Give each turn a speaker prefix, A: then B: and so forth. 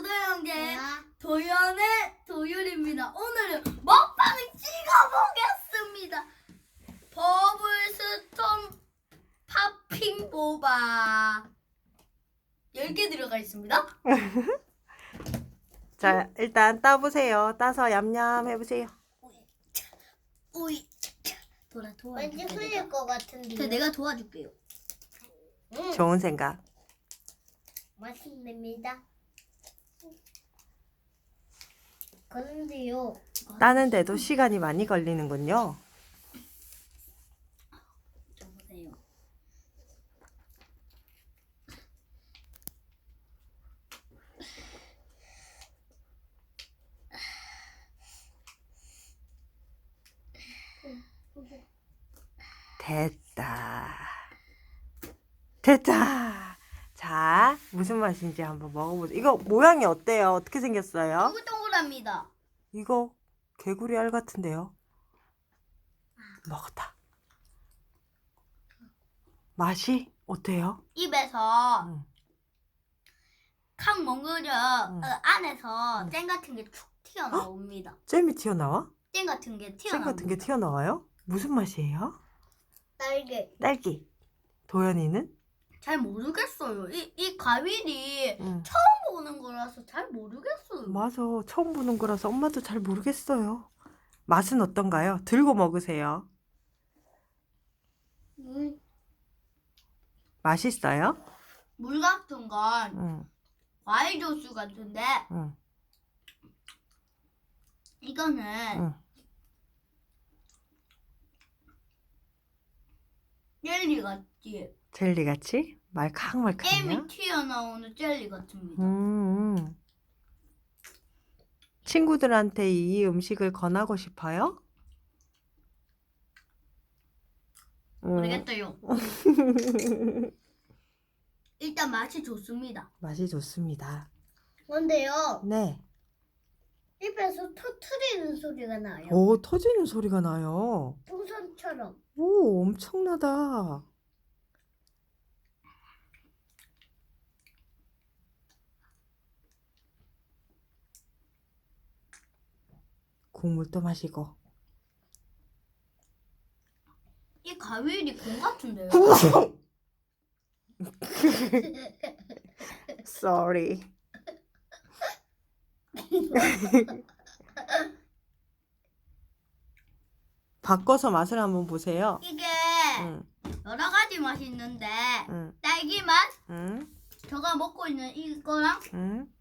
A: 형제 도연의 도율입니다. 오늘은 먹방을 찍어보겠습니다. 버블스톤 팝핑 보바 10개 들어가 있습니다.
B: 자, 일단 따보세요. 따서 얌얌 해보세요.
A: 오이 도라
C: 왠지
A: 도와줄게.
C: 흘릴 것 같은데.
A: 내가 도와줄게요.
B: 좋은 생각.
C: 맛있습니다. 그런데요.
B: 따는데도 시간이 많이 걸리는군요.
A: 보세요.
B: 됐다. 됐다. 자, 무슨 맛인지 한번 먹어보세요. 이거 모양이 어때요? 어떻게 생겼어요?
A: 동글동글합니다.
B: 이거 개구리 알 같은데요? 먹었다. 맛이 어때요?
A: 입에서
B: 응.
A: 칵 먹으려
B: 응.
A: 안에서
B: 응.
A: 잼 같은 게 툭 튀어나옵니다.
B: 잼이 튀어나와?
A: 잼 같은 게
B: 잼
A: 튀어나옵니다.
B: 같은 게 튀어나와요? 무슨 맛이에요?
C: 딸기.
B: 딸기. 도연이는?
A: 잘 모르겠어요. 이 과일이
B: 응.
A: 처음 보는 거라서 잘 모르겠어요.
B: 맞아. 처음 보는 거라서 엄마도 잘 모르겠어요. 맛은 어떤가요? 들고 먹으세요. 맛있어요?
A: 물 같은 건
B: 응.
A: 과일 주스 같은데
B: 응.
A: 이거는
B: 응.
A: 젤리 같지.
B: 젤리 같이? 말캉말캉해요?
A: 잼이 튀어나오는 젤리 같습니다.
B: 친구들한테 이 음식을 권하고 싶어요?
A: 모르겠어요. 일단 맛이 좋습니다.
B: 맛이 좋습니다.
C: 그런데요.
B: 네.
C: 입에서 터트리는 소리가 나요.
B: 오, 터지는 소리가 나요.
C: 풍선처럼.
B: 오, 엄청나다. 국물도 마시고.
A: 이 과일이 공 같은데요.
B: Sorry. 바꿔서 맛을 한번 보세요.
A: 이게
B: 응,
A: 여러 가지 맛이 있는데
B: 응,
A: 딸기 맛,
B: 응,
A: 제가 먹고 있는 이거랑
B: 응.